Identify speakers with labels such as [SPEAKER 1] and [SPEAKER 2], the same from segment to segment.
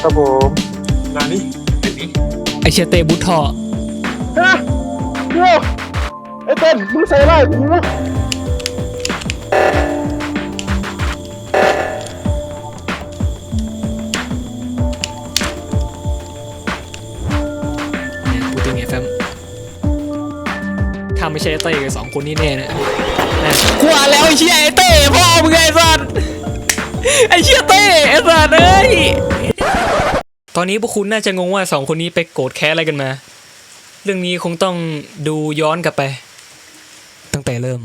[SPEAKER 1] ครับผม
[SPEAKER 2] นานี่
[SPEAKER 3] ไอเชียเตบุททอ
[SPEAKER 1] ฮะโย่ไอ้เต้นมึงใส่ไล่กู
[SPEAKER 3] เนี่ยพูดถึงไงแฟมถ้าไม่ใช่เต้กับสองคนนี้แน่นะกว่าแล้วไอเชียไอเต้พ่อมึงไงสัตว์ไอเชียเต้ไอสัตว์เอ้ยตอนนี้พวกคุณน่าจะงงว่าสองคนนี้ไปโกรธแค้นอะไรกันมาเรื่องนี้คงต้องดูย้อนกลับไปตั้งแต่เริ่ม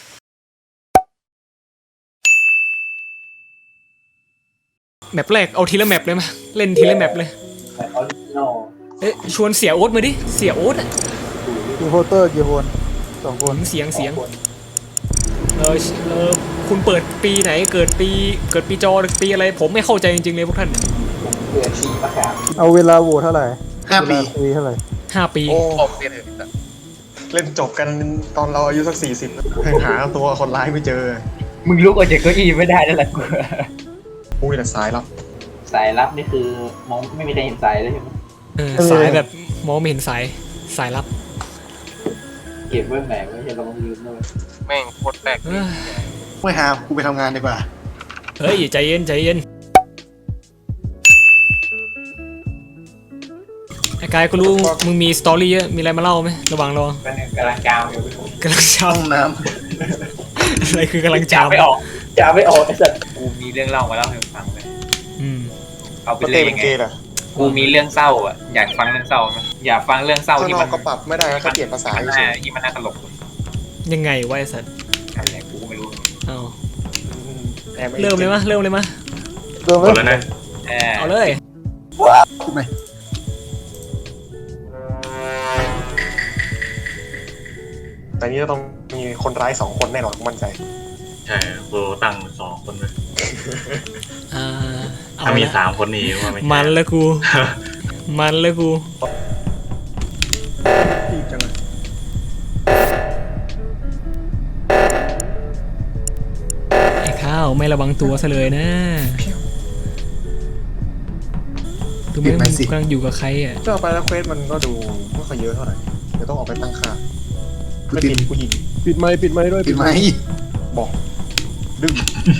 [SPEAKER 3] แมปแรกเอาทีละแมปเลยมาเล่นทีละแมปเลยเอ๊ะชวนเสียโอ๊ตมาดิเสียโอ๊ตอะ
[SPEAKER 1] กี่โฮเตอร์กี่คน2 คน
[SPEAKER 3] เสียงเออคุณเปิดปีไหนเกิดปีจอหรือปีอะไรผมไม่เข้าใจจริงๆเลยพวกท่าน
[SPEAKER 4] เกิดปีมะขาม
[SPEAKER 1] เอาเวลาโหวตเท่าไหร่
[SPEAKER 4] 5 ปี
[SPEAKER 1] เท่าไหร่
[SPEAKER 3] 5 ปี
[SPEAKER 2] โอ้เล่นจบกันตอนเราอายุสัก40หาตัวคนร้ายไม่เจอ
[SPEAKER 4] มึงลุกออกจากเก้าอี้ไม่ได้แล้วล่ะกู
[SPEAKER 2] อุ้ยแต่สายลับ
[SPEAKER 4] สายลับนี่คือมองไม่มีใครเห็นสายเลยใช่ไหม
[SPEAKER 3] สายแบบมองไม่เห็นสายลับ
[SPEAKER 4] เก็บไว้แหมไม่ใช่เราต้องลืมด้วย
[SPEAKER 2] แม่งโคตรแปลก
[SPEAKER 5] ไม่หากูไปทำงานดีกว่า
[SPEAKER 3] เฮ้ยใจเย็นไอ้กายก็รู้มึงมีสตอรี่เยอะมีอะไรมาเล่าไหมระหว่างร
[SPEAKER 4] อกำลังจามอยู่
[SPEAKER 3] กำลังจาม
[SPEAKER 5] น้
[SPEAKER 3] ำอะไรคือกำลังจาม
[SPEAKER 4] ไม่ออกไอ้สัตว์กูมีเรื่องเล่ามาเล่าให้ฟังเลยเอาไปเลยยังไงกูมีเรื่องเศร้าอ่ะอยากฟังเรื่องเศร้าไหมอยากฟังเรื่องเศร้าที่มัน
[SPEAKER 2] ก็ปรับไม่ได้เขาเปลี่ยนภาษา
[SPEAKER 4] ที่มันน่าตลก
[SPEAKER 3] ยังไงวะไอ้สัตว์
[SPEAKER 4] อะไรกูไม่รู้
[SPEAKER 3] เริ่มเลยมะ
[SPEAKER 1] เริ่มเลย
[SPEAKER 2] นะ
[SPEAKER 3] เอาเลย
[SPEAKER 5] พูดไหม
[SPEAKER 2] แต่นี้ต้องมีคนร้าย2 คนแน่นอนมั่นใจ
[SPEAKER 6] ใช่กูตั้ง2 คนเลยถ้ามี3 คนนี่ว่าไม่
[SPEAKER 3] มันแล้วกู
[SPEAKER 2] อีกจังเลย
[SPEAKER 3] ไอ้ข้าวไม่ระวังตัวซะเลยนะดูไม่มึงกำลังอยู่กับใครอ่ะ
[SPEAKER 2] เจ้าไปแล้วเควสมันก็ดูไม่ค่อยเยอะเท่าไหร่เดี๋ยวต้องออกไปตั้งค่าไม่ปิดผู้หญิง
[SPEAKER 1] ปิดไมค์ด้วย
[SPEAKER 5] ปิดไมค์
[SPEAKER 2] บอกดึง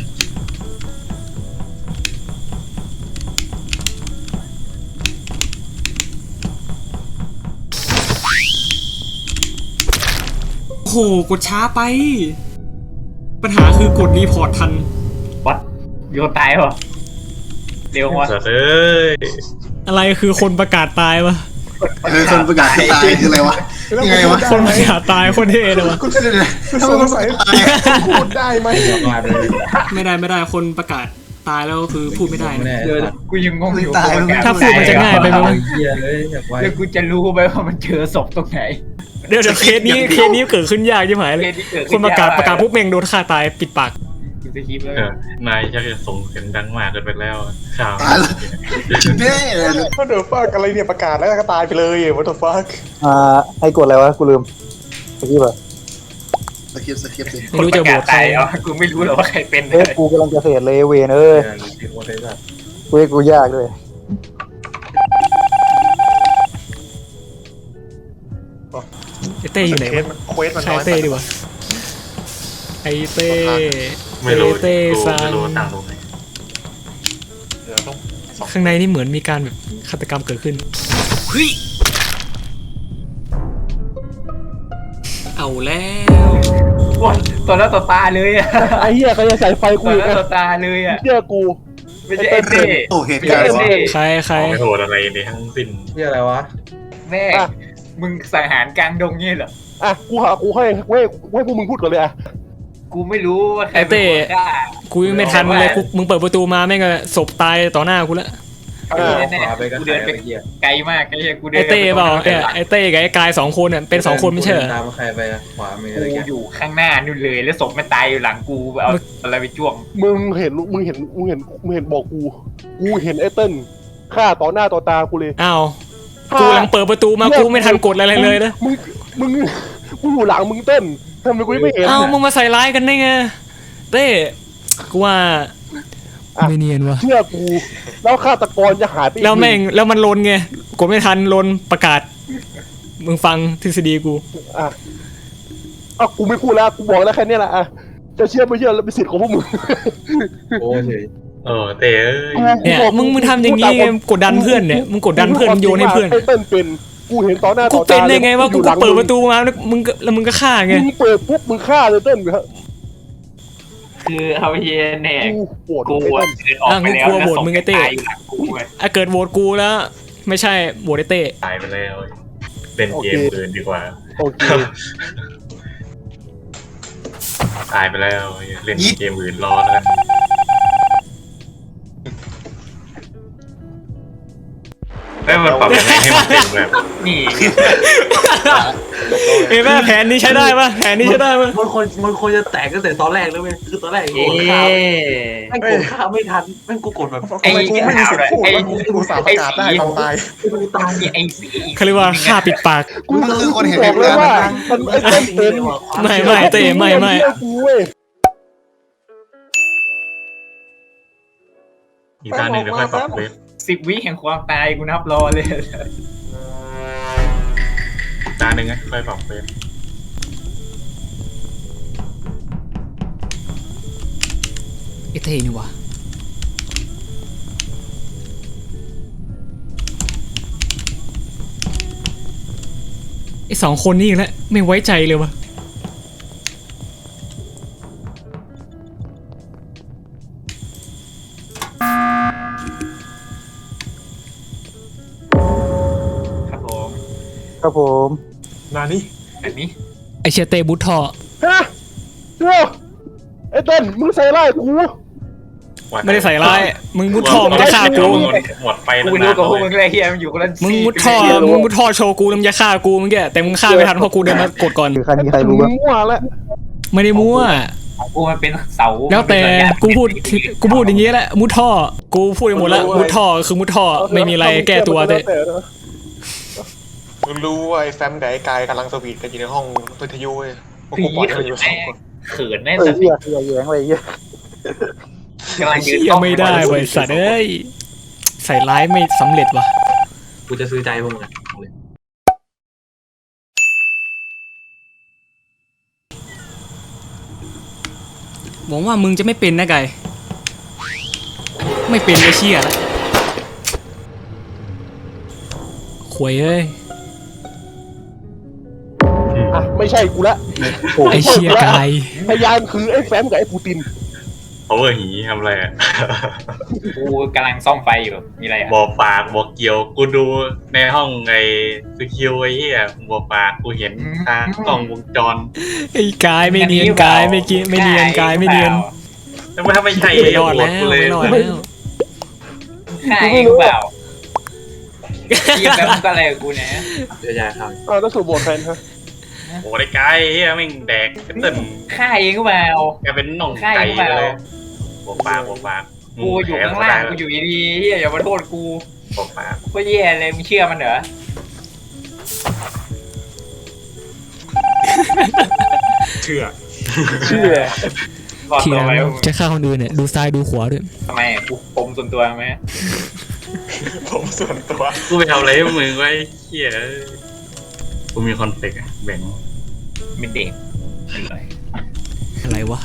[SPEAKER 3] โอ้โหกดช้าไปปัญหาคือกดรีพอร์ตทัน
[SPEAKER 4] วัดโยนตายป่ะเร็วว่ะ
[SPEAKER 3] อะไรคือคนประกาศตายวะ
[SPEAKER 5] คนประกาศตายคืออะไรวะยังไงวะ
[SPEAKER 3] คนประกาศตายคนเท่เลยวะ
[SPEAKER 2] สงสัยพูดได้ไหม
[SPEAKER 3] ไม่ได้คนประกาศตายแล้วคือพูดไม่ได้
[SPEAKER 4] กูยังงงอยู่
[SPEAKER 3] ถ้าพูดมันจะง่ายไปไหม
[SPEAKER 4] แล้วกูจะรู้ไหมว่ามันเจอศพตรงไหน
[SPEAKER 3] เดี๋ยวเคสนี้เกิดขึ้นยากใช่ไหมเลยคนประกาศปุ๊บเมงโดนฆ่าตายปิดปาก
[SPEAKER 6] นายชักจะส่งเสียงดังมากเกินไปแล้วข่าว
[SPEAKER 2] ว่าเดี๋ยวฟักอะไรเนี่ยประกาศแล้วก็ตายไปเลยว่าเดี๋ยวฟัก
[SPEAKER 1] ให้กดอะไรวะกูลืมสกิปอะ
[SPEAKER 5] สคริปต์สิ
[SPEAKER 3] ไม่รู้จะโหวตใคร
[SPEAKER 4] กูไม่รู้หรอกว่าใครเป็น
[SPEAKER 1] กูกำลังจะเสร็จเลยเวนกูยากด้วย
[SPEAKER 3] ไอเต้อยู่ไหนวะใช่เต้ดีวะไอเต้
[SPEAKER 6] ไม่รู้
[SPEAKER 3] ซัง
[SPEAKER 6] ตั้งตรงไหน
[SPEAKER 3] ข้างในนี่เหมือนมีการแบบฆาตกรรมเกิดขึ้นเฮ้ยเอาแล้ว
[SPEAKER 4] วันตัวหน้าต่อตาเลยอ่ะ
[SPEAKER 1] ไอ้เหี้ยเขาจะใส่ไฟกู
[SPEAKER 4] ตัวหน้าต่อตาเลยอ่ะ
[SPEAKER 1] เชื่อกู
[SPEAKER 4] ไม่ใช่ไอ้เต้
[SPEAKER 5] โอ้เหตุการณ์
[SPEAKER 3] ใคร
[SPEAKER 6] ไม่โหดอะไรในทั้งสิ้น
[SPEAKER 2] นี่อะไรวะ
[SPEAKER 4] แม่มึงสังหารกลางดงงี้เหรอ
[SPEAKER 1] กูให้พวกมึงพูดก่อนเลย
[SPEAKER 4] กูไม่รู้ว่าใคร
[SPEAKER 3] เต้กูยังไม่ทันเลยมึงเปิดประตูมาแม่งก็ศพตายต่อหน้ากูแล้ว
[SPEAKER 4] กูเดินไปไกลมากไอ้เหี้ยกูเดิน
[SPEAKER 3] ไอเต้เปล่าไอเต้กับไอ้กาย2 คนเนี่ยเป็น2 คนไม่ใช่เหรอ
[SPEAKER 2] ตามใครไปขวามือ
[SPEAKER 4] กูอยู่ข้างหน้านู่นเลยแล้วศพมันตายอยู่หลังกูเอาอะไรไปจ้วง
[SPEAKER 1] มึงเห็นบอกกูเห็นไอ้เติ้ลฆ่าต่อหน้าต่อตากูเลย
[SPEAKER 3] อ้าวกูกำลังเปิดประตูมากูไม่ทันกดอะไรเลยนะ
[SPEAKER 1] มึงกูอยู่หลังมึงเต้นทำไมกูไม่เห็น
[SPEAKER 3] อ้าวมึงมาใส่ร้ายกันได้ไงเต้กูว่าไม่เนียนวะ
[SPEAKER 1] เชื่อกูแล้วฆาตกรจะหายไปอีก
[SPEAKER 3] แล้วแม่งแล้วมันลนไงกดไม่ทันลนประกาศมึงฟังทฤษฎีกู
[SPEAKER 1] อ่ะกูไม่พูดแล้วกูบอกแล้วแค่เนี้ยแหละอ่ะจะเชื่อไม่เชื่อแล้วเป็นสิทธิ์ของพวกมึง
[SPEAKER 5] โอ้เฉย
[SPEAKER 6] เต้เอ้ย
[SPEAKER 3] เนี่ยมึงทำอย่างนี้ไงกดดันเพื่อนเนี่ยมึงกดดันเพื่อนโยนให้เพื่อน
[SPEAKER 1] ไอ้เติ้ลเป็นกูเห็นต่อหน้า
[SPEAKER 3] กู
[SPEAKER 1] ต่อ
[SPEAKER 3] เป็
[SPEAKER 1] ตาน
[SPEAKER 3] ได้ไงวะกู
[SPEAKER 1] อยู่หลัง
[SPEAKER 3] เปิดประตูมาแล้วมึงก็ฆ่าไง
[SPEAKER 1] มึงเปิดปุ๊บมึงฆ่าเลยเติ้ล
[SPEAKER 4] คือเอาเย็นเนี่ย
[SPEAKER 1] กูปวด
[SPEAKER 4] กู
[SPEAKER 1] ไอ้
[SPEAKER 4] อะ
[SPEAKER 1] เติ้ล
[SPEAKER 4] เดินออกไปแล้วแล้วศพตายอยู่หลังกูเลย
[SPEAKER 3] เกิดโหวตกูแล้วไม่ใช่โหวตไอ้เต้
[SPEAKER 6] ตายไปแล้วเล่นเกมอื่นดีกว่า
[SPEAKER 1] โอเค
[SPEAKER 6] ตายไปแล้วเล่นเกมอื่นรอแล้วกันแล้วมันปรับยังไงให้มันเป็นแบบ
[SPEAKER 4] นี่
[SPEAKER 3] เอ้ยแม่แผนนี้ใช้ได้ปะแผนนี้ใช้ได้ปะ
[SPEAKER 7] มันควรจะแตกตั้งแต่ตอนแรกแล้วเว้ยคือตอนแรก
[SPEAKER 4] เอ๊
[SPEAKER 7] กดข้าวแม่งกดข้าวไม่ทันแม่งกูกดแบบ
[SPEAKER 2] ทำไมกูไม่มีสิทธิ์พูดว่ากูสาประกาศได้ตอนตาย
[SPEAKER 7] กูตาย
[SPEAKER 4] ไอ้สี
[SPEAKER 3] เขาเรียกว่าฆ่าปิดปาก
[SPEAKER 1] กูคือคนเห็นเลยว่ามันไอ้เติ้ลเป็น
[SPEAKER 3] ไม่เต้ไม่
[SPEAKER 1] เชื่อกูเว้ย
[SPEAKER 6] อีกด้านหนึ่งเดี๋ยวค่อยปรับเว็บ
[SPEAKER 4] 10 วิแห่งความตายกูนับรอเลย
[SPEAKER 6] ด้านหนึ่งค่อยปรับเว็บ
[SPEAKER 3] ไอ้เต้นี่วะไอ้สองคนนี่อีกแล้วไม่ไว้ใจเลยวะ
[SPEAKER 4] ครับผม
[SPEAKER 1] ครับผม
[SPEAKER 2] นานี่
[SPEAKER 4] แบบนี้
[SPEAKER 3] ไอ้เชียเต้บุตทอ
[SPEAKER 1] ฮะเชื่อไอ้เติ้ลมึงใส่ร้ายกู
[SPEAKER 3] ไม่ได้ใส่ร้ายมึงมุดท่อมันจะฆ่ากู
[SPEAKER 6] หมดไป
[SPEAKER 4] กูรู้กับพวกมึงเลยเฮียมันอยู่คนละ
[SPEAKER 3] มึงมุดท่อโชว์กูแล้วมึงจะฆ่ากูมึงแกแต่มึงฆ่าไม่ทันเพราะกูเดินมากดก่อน
[SPEAKER 1] ใครมีใครรู้ว่ามั่วแล้ว
[SPEAKER 3] ไม่ได้มั่ว
[SPEAKER 4] ของกูมันเป็นเสา
[SPEAKER 3] แล้วแต่กูพูดอย่างงี้แหละมุดท่อกูพูดไปหมดแล้วมุดท่อคือมุดท่อไม่มีอะไรแก้ตัวเต้
[SPEAKER 2] มึงรู้ว่าไอ้แฟมกับไอ้กายกำลังสวีทกันอยู่ในห้องวิทยุเว้ยพวกกูปล่อยให้มันอยู่สองคน
[SPEAKER 4] เขินแน่
[SPEAKER 1] เออ
[SPEAKER 4] สัตว์
[SPEAKER 1] เหี้ยแย้งอะไรเงี้ย
[SPEAKER 4] กำลังยืน
[SPEAKER 3] เชี่ยไม่ได้บริษัทเอ้ยใส่ร้ายไม่สำเร็จว่ะ
[SPEAKER 7] กูจะซื้อใจพวกมึงอะ
[SPEAKER 3] หวังว่ามึงจะไม่เป็นนะไก่ไม่เป็นก็เชี่ยละขวยเอ้ย
[SPEAKER 1] อ่ะไม่ใช่กูละ
[SPEAKER 3] ไอ้เชี่ยไก่
[SPEAKER 1] พยานคือไอ้แฟมกับไอ้ปูติน
[SPEAKER 6] เขาเวอร์หีทำอะไรอ่ะ
[SPEAKER 4] กูกำลังซ่อมไฟอยู่มีอะไรอ่ะ
[SPEAKER 6] บอกปากบอกเกี่ยวกูดูในห้องไอ้สกิลไอ้เหี้ยบอกปากกูเห็นทางกล้องวงจร
[SPEAKER 3] ไอ้กายไม่เนียนกายไม่กินไม่เนียนกายไม่เนียน
[SPEAKER 6] แล้วถ้าไม่ใช่
[SPEAKER 3] ไม่รอดแล้ว
[SPEAKER 6] กูเลย
[SPEAKER 3] ไม่รอดแล้ว
[SPEAKER 4] ฆ่าเองหรือเปล่าเฮียแล้วมึงก็อะไรกับกูเนี่ย
[SPEAKER 7] เดี๋ยวจะเข้า
[SPEAKER 1] แล้วสูบโบดแฟนฮะ
[SPEAKER 6] โอ้ได้ไก่เหี้ยแม่งแดกเต้น
[SPEAKER 4] ฆ่าเองหรือเปล่า
[SPEAKER 6] แกเป็นน่องไก่เลยบอกปากบอกปาก
[SPEAKER 4] กูอยู่ข้างล่างกูอยู่ดีๆเฮียอย่ามาโทษกู
[SPEAKER 6] บอกปาก
[SPEAKER 4] ก็แย่เลยมึงเชื่อมันเหรอ
[SPEAKER 2] เชื่อ
[SPEAKER 1] เชื่อ
[SPEAKER 4] รอด
[SPEAKER 3] ที
[SPEAKER 4] ตัว
[SPEAKER 3] หลัง
[SPEAKER 4] ไว้
[SPEAKER 3] จะฆ่าคนอื่นเนี่ยดูซ้ายดูขวาด้วย
[SPEAKER 4] ทำไมกูปมส่วนตัวไหม
[SPEAKER 2] ผมส่วนตัว
[SPEAKER 6] กูไปทำอะไรให้มึงไว้เหี้ยกูมีคอนเฟกต์อะแบ่ง
[SPEAKER 4] เป็นเด็กไม่เลย
[SPEAKER 3] อะไรวะ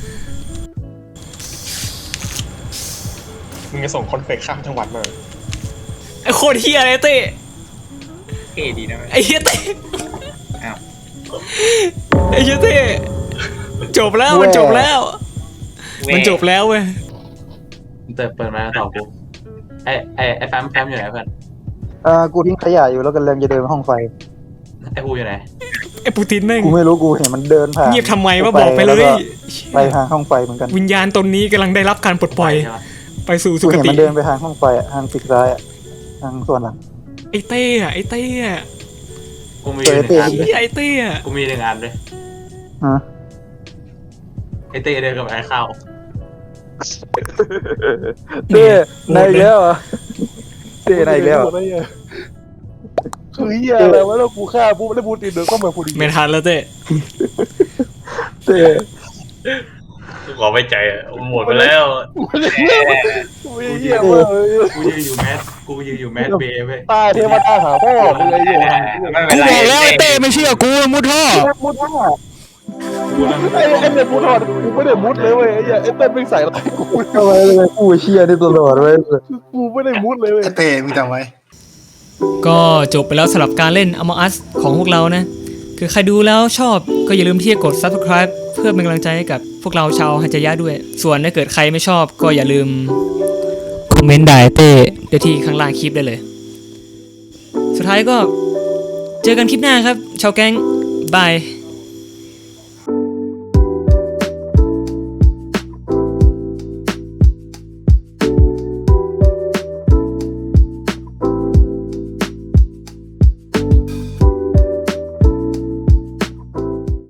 [SPEAKER 2] มึงจะส่งคอนเฟกข้ามจังหวัดมา
[SPEAKER 3] ไอ้โคตรเฮียเลยเต้
[SPEAKER 4] เท่ดีนะ
[SPEAKER 3] ไอ้เฮียเต้
[SPEAKER 4] อ้าว
[SPEAKER 3] ไอ้เฮียเต้จบแล้วมันจบแล้วมันจบแล้วเว้ย
[SPEAKER 7] เปิดมาต่อกูไอ้แฟมอยู่ไหนเพื่อน
[SPEAKER 8] กูทิ้งขยะอยู่แล้วกันเริ่มจะเดินไปห้องไฟ
[SPEAKER 7] ไอ้กูอยู่ไหน
[SPEAKER 3] ไอ้ปูตินแม่ง
[SPEAKER 8] กูไม่รู้กูเห็นมันเดินผ่าน
[SPEAKER 3] เงียบทำไมวะบอกไปเลย
[SPEAKER 8] ไปทางห้องไฟเหมือนกัน
[SPEAKER 3] วิญญาณตนนี้กำลังได้รับการปลดปล่อย
[SPEAKER 7] ใช่ปะ
[SPEAKER 3] ไปสู่สุ
[SPEAKER 8] กู
[SPEAKER 3] ค
[SPEAKER 8] เห็น
[SPEAKER 3] ติ
[SPEAKER 8] มันเดินไปทางห้องไฟอะทางฟิกซ้ายอะทางส่วนหลัง
[SPEAKER 3] ไอ้เต้อะไอ้เต้อะ
[SPEAKER 7] กูมีหนึ่งอัน
[SPEAKER 3] เหี้ยไอ้เต้อะ
[SPEAKER 7] กูมีหนึ่งอันด้วย
[SPEAKER 8] ฮะ
[SPEAKER 7] ไอ้เต้เดินกับไอ้ข้าว
[SPEAKER 8] เต้ในอีกแล้วเหรอเต้ในอีกแล้วเหรอ
[SPEAKER 1] คือเหี้ยอะไรวะแล้วกูฆ่าปุ๊บแล้วปูตินเดินเข้ามาพอดี
[SPEAKER 3] ไม่ทันแล้วเต้
[SPEAKER 8] เต้
[SPEAKER 6] กูขอไว้ใจอ่ะหมดไปแล้ว
[SPEAKER 1] ไม่เหี้ยเว้ย
[SPEAKER 7] กูยืนอยู่แมสเบย์เว้ย
[SPEAKER 1] ตาเทวดาหาพ่อมึงไอ้เหี้ย
[SPEAKER 4] ไม่เป็
[SPEAKER 3] กู
[SPEAKER 4] นไร
[SPEAKER 3] บอกแล้วไอ้เต้ไม่เชื่อกูมุดท่อ
[SPEAKER 1] มุดท่อไอ้เนี่ยมุดท่อกูไม่ได้มุดเลยเว้ยไอ้เหี้ยไอ้เต้นไม่ใส่อะไรกู
[SPEAKER 8] ทำไมเลยกูเชี่ยนี่ตลอดเว้ย
[SPEAKER 1] กูไม่ได้มุดเลยเว้ย
[SPEAKER 5] ไอ้เต้มึงจำไว้
[SPEAKER 3] ก็จบไปแล้วสำหรับการเล่น Among Us ของพวกเรานะ คือใครดูแล้วชอบก็อย่าลืมที่จะกด Subscribe เพื่อเป็นกำลังใจให้กับพวกเราชาวฮัจจยะด้วย ส่วนถ้าเกิดใครไม่ชอบก็อย่าลืมคอมเมนต์ด่าเต้เดี๋ยวที่ข้างล่างคลิปได้เลย สุดท้ายก็เจอกันคลิปหน้าครับ ชาวแก๊งบาย